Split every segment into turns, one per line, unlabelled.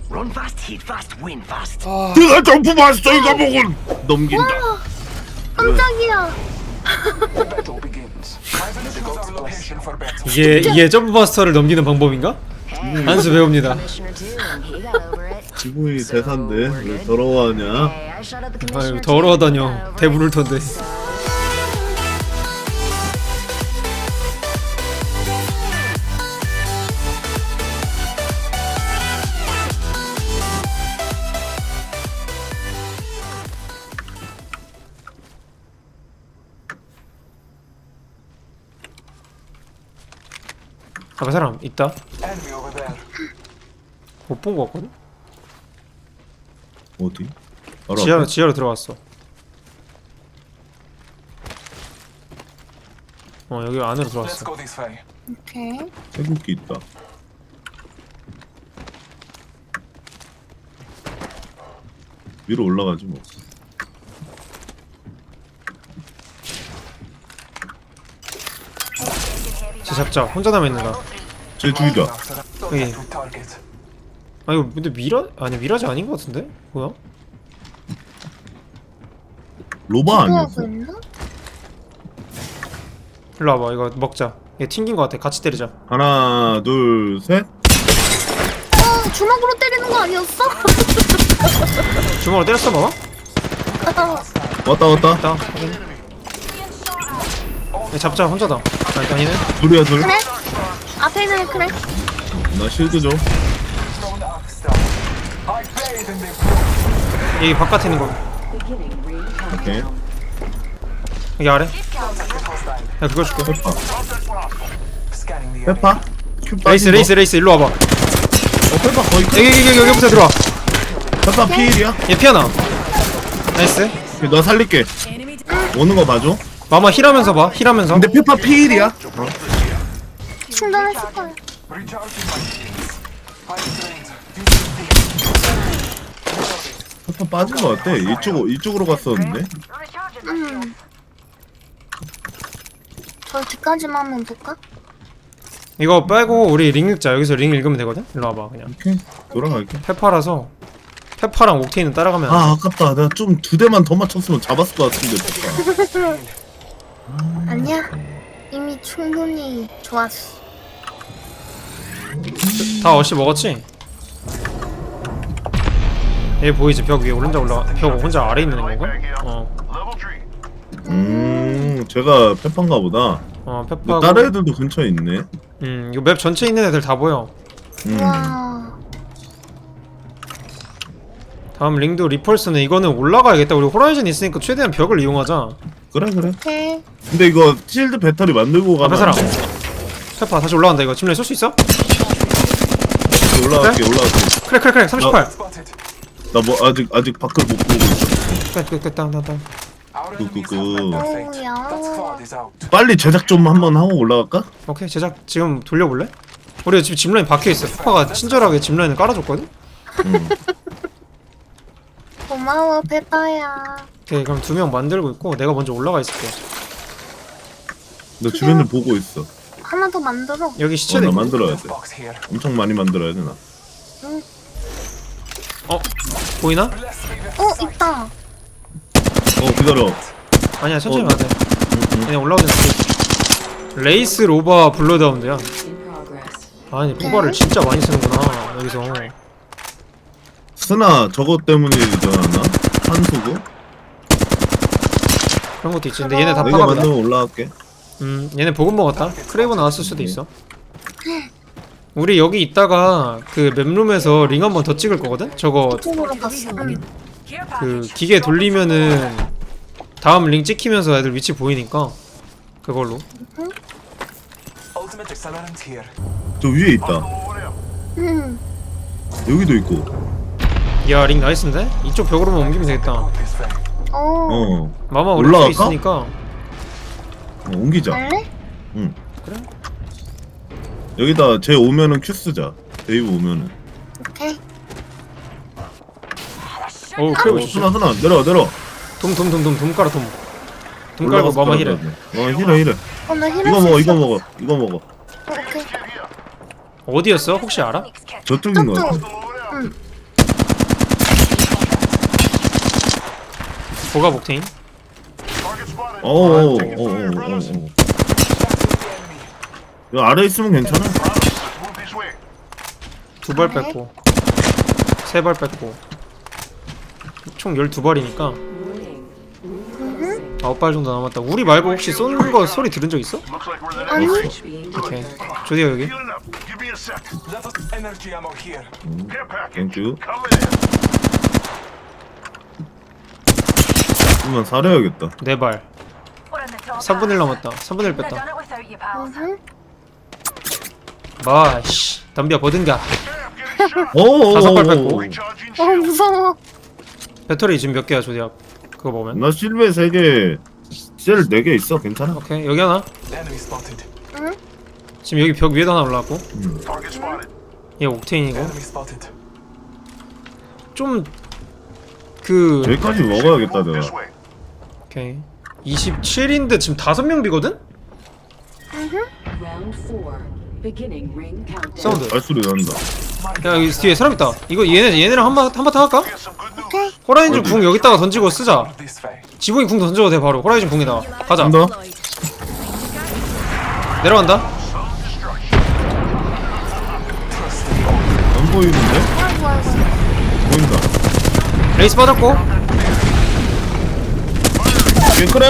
Run fast, hit fast, win fast.
내가 점프 마스터인 과목은 넘긴다.
깜짝이야.
이게 점프마스터를 넘기는 방법인가? 한수 배웁니다.
지붕이 대사인데 왜 더러워하냐?
아유 더러워하다뇨. 대부를 텐데. 앞에 사람 있다. 못 본 거 같거든?
어디? 바로 앞에?
지하로 들어갔어. 여기 안으로 들어갔어.
오케이.
태국기 있다. 위로 올라가지 뭐.
쟤 잡자. 혼자 남아있는가?
쟤 죽이자.
여기. 아 이거 근데 미라지 아닌 거 같은데? 뭐야?
로바 아니었어?
기도하고 있나?
일로 와봐. 이거 먹자. 얘 튕긴 거 같아. 같이 때리자.
하나, 둘, 셋.
주먹으로 때리는 거 아니었어?
주먹으로 때렸어 봐봐.
왔다 왔다.
있다. 확인. 얘 잡자. 혼자다. 일단 얘는
둘이야 둘.
그래? 앞에 있는 그래?
나 실드 줘.
여기 바깥에 있는 거.
오케이.
여기 아래. 야 그거 줄게.
페파. 페파? 큐
레이스
빠진 거?
레이스 일로 와봐.
페파 거의 끝.
여기부터 들어와.
페파 피일이야?
얘 피하나. 나이스.
너 살릴게. 오는 거 봐줘.
마마 힐하면서 봐. 힐하면서.
근데 페파 피일이야?
충전했을 거야.
페파 빠진 거 같아. 이쪽으로 갔었는데.
저 뒤까지만 한번 볼까?
이거 빼고 우리 링 읽자. 여기서 링 읽으면 되거든. 일로 와봐 그냥.
오케이. 돌아갈게.
페파라서 페파랑 옥테인은 따라가면 안 돼.
아 아깝다. 내가 좀 2대만 더 맞췄으면 잡았을 것 같은데 페파.
아니야. 이미 충분히 좋았어.
다 어시 먹었지? 얘 보이지? 벽 위에 벽 혼자 아래 있는 건가?
제가 페파인가 보다. 근데
페파고.
다른 애들도 근처에 있네.
이거 맵 전체에 있는 애들 다 보여.
와.
다음 링도 리펄스는 이거는 올라가야겠다. 우리 호라이즌 있으니까 최대한 벽을 이용하자.
그래.
오케이.
근데 이거 실드 배터리 만들고 가면
앞에 사람.
안 돼?
페파 다시 올라간다. 이거 침례 쏠 수 있어?
올라갈게.
크랙 38.
나 뭐 아직 밖을 못 보고 있어.
끝 땅.
오야.
빨리 제작 좀 한번 하고 올라갈까?
오케이 제작 지금 돌려볼래? 우리가 지금 짚라인 박혀있어. 페파가 친절하게 짚라인을 깔아줬거든?
고마워 페파야.
오케이 그럼 2명 만들고 있고 내가 먼저 올라가 있을게.
나 주변을 보고 있어.
하나 더 만들어.
여기 시체
나
내.
만들어야 돼. 엄청 많이 만들어야 돼 나.
보이나?
있다.
기다려.
아니야 천천히 가야 돼. 그냥 올라오든 레이스 로바 블러드하운드야. 아니 포바를 진짜 많이 쓰는구나 여기서.
스나 저것 때문이잖아. 한수구.
그런 것도 있지. 근데 얘네 다
내가
파갑니다.
만들면 올라갈게.
얘네 보급 먹었다. 크레이브 나왔을 수도 있어. 우리 여기 있다가 그 맵룸에서 링 한 번 더 찍을 거거든? 저거
이쪽으로 갔어.
그 기계 돌리면은 다음 링 찍히면서 애들 위치 보이니까 그걸로.
저 위에 있다. 여기도 있고.
야 링 나이스인데? 이쪽 벽으로만 옮기면 되겠다. 마마 우리 쪽에
올라갈까?
있으니까.
옮기자.
갈래?
응.
그래?
여기다 쟤 오면은 큐 쓰자. 데이브 오면은.
오케이.
오 크레이브 좋지.
스나 내려.
돔 깔아 돔. 돔 깔고 마마 힐해.
힐해.
나 힐할
이거
수
먹어.
있어.
이거 먹어.
오케이.
어디였어? 혹시 알아?
저쪽인 거 같아.
고가 목테인.
어어어어어. 이 아래 있으면 괜찮아.
두 발 뺐고 세 발 뺐고 총 12발이니까 9발 정도 남았다. 우리 말고 혹시 쏘는 거 소리 들은 적 있어?
아니
오케이. 조디야 여기.
땡큐. 그러면 사려야겠다.
4발. 3분의 1 남았다. 3분의 1 뺐다. 마씨 담비야 버든가. 다섯 발 뺐고.
무서워.
배터리 지금 몇 개야 조디야? 그거 보면.
나 실베 3개, 셀 4개 있어. 괜찮아.
오케이 여기 하나.
응?
지금 여기 벽 위에도 하나 올라왔고. 얘 옥테인이고. 좀 그
여기까지 먹어야겠다 내가.
오케이 27인데 지금 5명 비거든? 사운드.
발소리 난다.
야 여기 뒤에 사람 있다. 이거 얘네랑 한바탕 할까?
오케이.
호라이즌 궁 여기다가 던지고 쓰자. 지붕이 궁 던져도 돼 바로. 호라이즌 궁에다가 가자.
간다.
내려간다.
안 보이는데?
아이고 아이고.
보인다.
레이스 빠졌고.
얘 그래?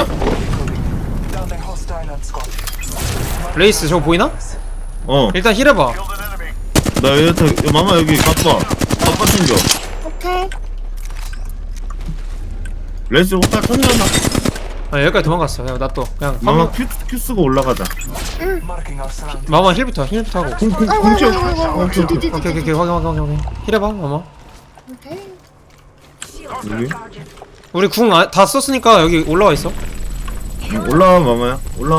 레이스 저거 보이나?
어.
일단 힐해봐.
나 얘한테 야, 마마 여기 가빠. 가빠 챙겨.
오케이.
레스 호타 쳤잖아.
아 여기까지 도망갔어. 그냥 놔둬. 그냥
마마 큐 쓰고 올라가자.
마마 힐부터 하고.
궁 채워.
오케이 확인. 힐해봐 마마.
오케이.
여기.
우리 궁 다 썼으니까 여기 올라와 있어.
올라와 마마야. 올라와.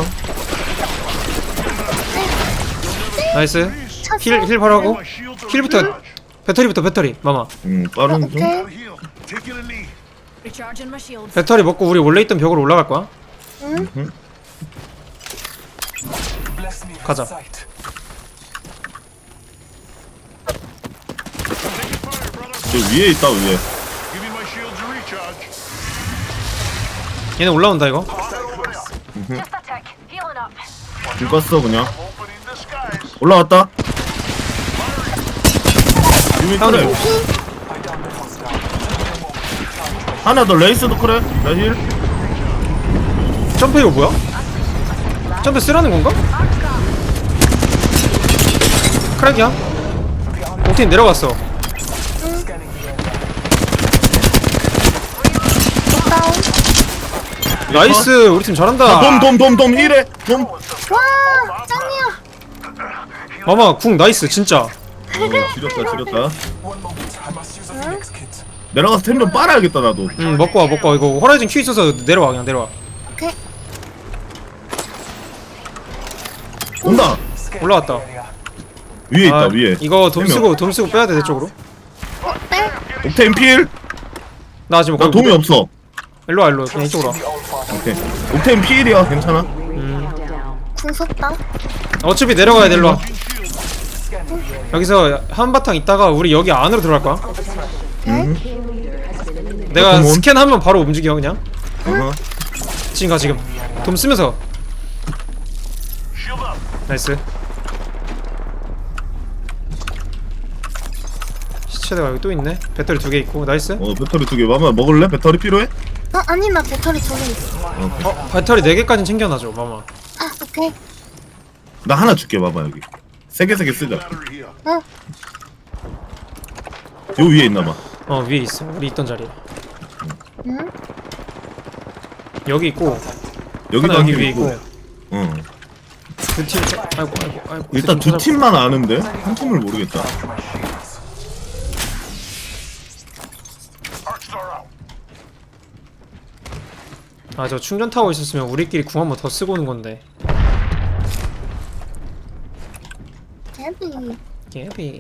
나이스. 힐 바로 하고. 힐부터 배터리 마마.
빠른 좀.
오케이.
배터리 먹고 우리 원래 있던 벽으로 올라갈 거야.
응?
가자.
저 위에 있다 위에.
얘네 올라온다 이거.
불 껐어 그냥. 올라왔다. 유미
사운드.
그래. 하나 더 레이스도 그래. 나 힐.
점프 이거 뭐야? 점프 쓰라는 건가? 크랙이야? 옥테인 내려갔어.
다운.
나이스 우리 팀 잘한다.
돔 힐해. 돔.
와 짱이야.
마마 궁 나이스 진짜.
지렸다. 내려가서 템 좀 빨아야겠다 나도.
먹고 와 이거 호라이즌 큐 있어서 내려와 그냥 내려와.
오케이.
온다.
올라왔다.
위에 있다 위에.
이거 돔
세 명.
쓰고 빼야 돼 내 쪽으로.
네.
옥테인 필.
나 지금
나
거기
돈이 없어.
일로 와 그냥 이쪽으로 와.
오케이. 옥테인 필이야 괜찮아.
궁 썼다.
어차피 내려가야 돼 일로 와. 여기서 한바탕 있다가 우리 여기 안으로 들어갈 거야. 내가
어떤 몬?
스캔하면 바로 움직여 그냥.
어허.
지금 가 지금. 돔 쓰면서. 나이스. 시체대가 여기 또 있네. 배터리 2개 있고 나이스.
배터리 2개. 마마 먹을래? 배터리 필요해?
아니 나 배터리 전에 있어.
배터리 4개까지 챙겨놔줘 마마.
아 오케이.
나 하나 줄게 마마 여기. 3개 쓰자.
어.
요 위에 있나봐.
위에 있어. 우리 있던 자리에.
응?
여기 있고
여기도
하나
한
여기
팀
위에
있고.
있고.
응.
두 팀. 아이고.
일단 두 팀만 아는데 한 팀을 모르겠다.
아 저 충전 타워 있었으면 우리끼리 궁 한 번 더 쓰고 오는 건데.
데뷔.
개비.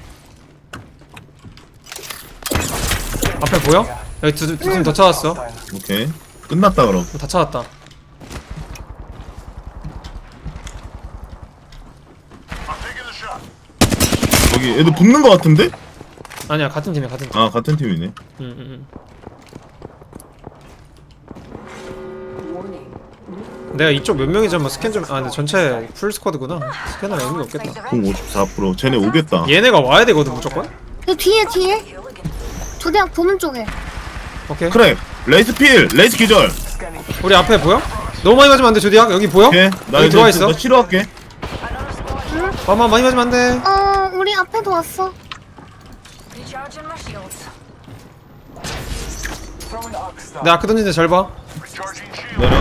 앞에 보여? 여기 두 팀 더 찾았어.
오케이. 끝났다 그럼.
다 찾았다.
여기 애들 붙는 거 같은데?
아니야 같은 팀이야 같은 팀.
아 같은 팀이네.
응. 내가 이쪽 몇 명이 잡아 스캔 좀. 아 근데 전체 풀 스쿼드구나. 스캐너 의미가 없겠다.
공 54%. 쟤네 오겠다.
얘네가 와야 되거든 무조건.
그 뒤에 조대학 보는 쪽에.
오케이.
그래. 레이스 필. 레이스 기절.
우리 앞에 보여? 너무 많이 맞으면 안돼 조디악. 여기 보여?
오케이. 나
여기
이제
들어와 있어.
나 치료할게.
마마 많이 맞으면 안돼.
우리 앞에도 왔어.
Recharging my shields.
내 아크 던진데 잘 봐.
내려.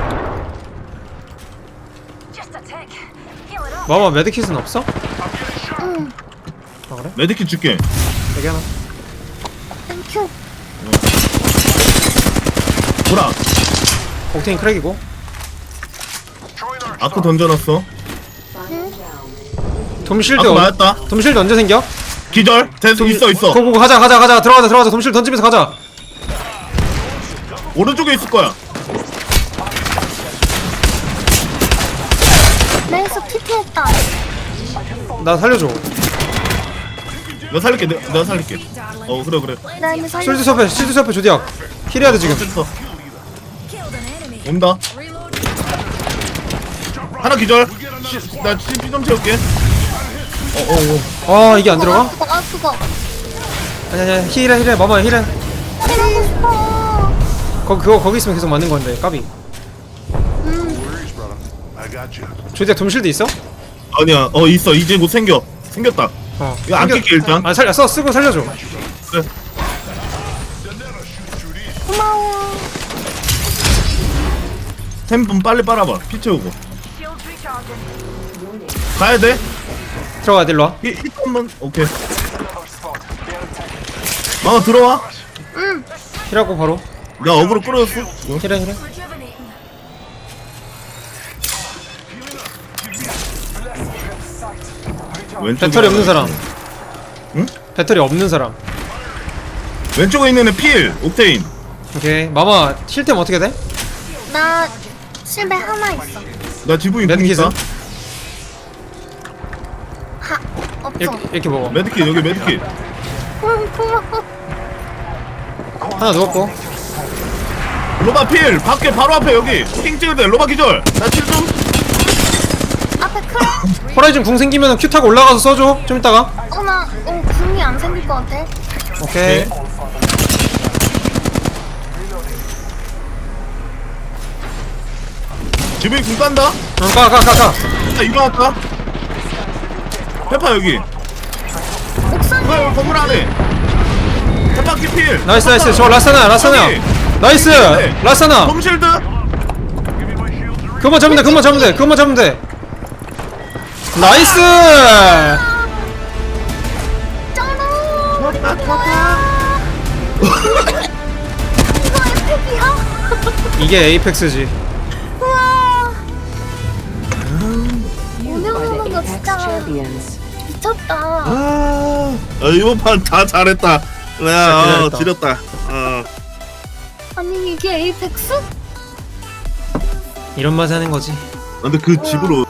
Just a tick. Heal it up.
마마 메드킷은 없어?
응.
아 그래?
메디킷 줄게.
여기 하나.
땡큐.
보라.
옥테인 크랙이고.
아크 던져놨어.
돔실드
아크 맞았다.
돔실드 언제 생겨?
기절. 됐어. 있어.
고고 가자 들어가자 돔실드 던지면서 가자.
오른쪽에 있을 거야.
레이스 TP했다.
나 살려줘.
내가 살릴게. 내가 살릴게. 그래.
나 이미 살려.
실드 섭에 조디악. 힐해야 돼 지금.
됐어. 온다. 하나 기절. 나 CP 좀 채울게.
아 이게 안 들어가?
그거.
아니야 힐해 마마 힐해.
해보고 싶어.
거기 있으면 계속 맞는 건데 까비. 조디악 돔실드 있어?
아니야. 있어. 이제 곧 생겼다. 이거 안 낄게 일단.
아 쓰고 살려줘.
그래.
고마워.
템 좀 빨리 빨아봐. 피 채우고.
Shields recharging.
가야 돼.
들어가 일로 와.
힐 한번. 오케이. 들어와.
힐하고 바로.
나 어그로 끌어줬어.
힐해.
Rejuvenating.
왼쪽에
배터리 없는 사람.
응?
배터리 없는 사람.
왼쪽에 있는 애 필. 옥테인.
오케이 마마 힐템 어떻게 돼?
나 실베 하나 있어.
나 지붕이
메디킷은?
보니까.
없어.
이렇게 먹어.
메디킷 여기 메디킷.
고마워.
하나 누웠고.
로바 필. 밖에 바로 앞에 여기. 핑 찍을 때 로바 기절. 나 칠 좀.
앞에 크랙.
호라이즌 궁 생기면 큐 타고 올라가서 써줘. 좀 이따가.
나 궁이 안 생길 것 같아.
오케이.
지붕이 궁 깐다.
가.
자 일어났다. 페파 여기.
옥상에.
건물 안에. 페파 키필.
나이스. 저 라사나.
저기.
나이스.
네.
라사나.
홈실드.
그것만 잡으면 돼. 나이스.
짱구. 이거 에픽이야?
이게 에이펙스지.
우와. 운영하는 거 진짜 미쳤다.
이번 판 다 잘했다.
잘했다.
지렸다.
아니 이게 에이펙스?
이런 맛에 하는 거지.
근데 그 집으로